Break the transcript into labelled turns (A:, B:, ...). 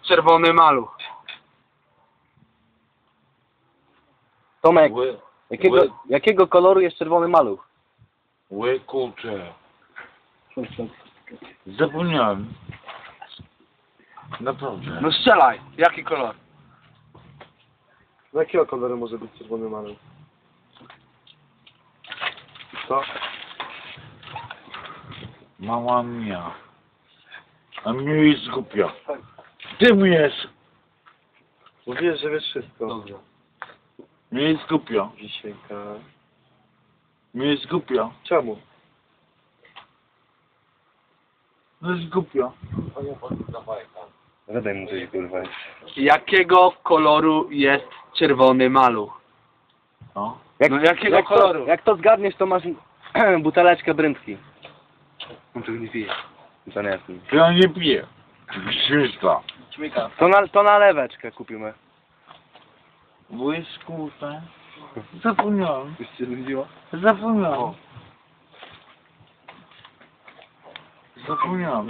A: czerwony maluch?
B: Tomek,
C: Ły,
B: jakiego koloru jest czerwony maluch?
C: kurczę. Zapomniałem. Naprawdę.
A: No strzelaj, jaki kolor?
D: Z jakiego koloru może być czerwony maluch? Co?
C: Mała mia. A mnie jest głupia. Ty mu jest.
D: Mówisz, że wiesz wszystko.
A: Dobrze.
C: Mnie jest głupia.
D: Wisienka.
C: Mnie jest głupia.
D: Czemu?
C: No jest głupia.
B: Zadaj mu coś, kurwa.
A: Jakiego koloru jest czerwony maluch?
C: No.
A: No jakiego koloru?
B: Jak to zgadniesz, to masz buteleczkę brędki.
A: On tego nie wie.
B: To nie jest.
C: Ja nie piję. Krzyszta.
A: Śmiga.
B: To na leweczkę kupimy.
C: Błyskute. Zapomniałem.
B: Już się nudziło?
C: Zapomniałem. Zapomniałem.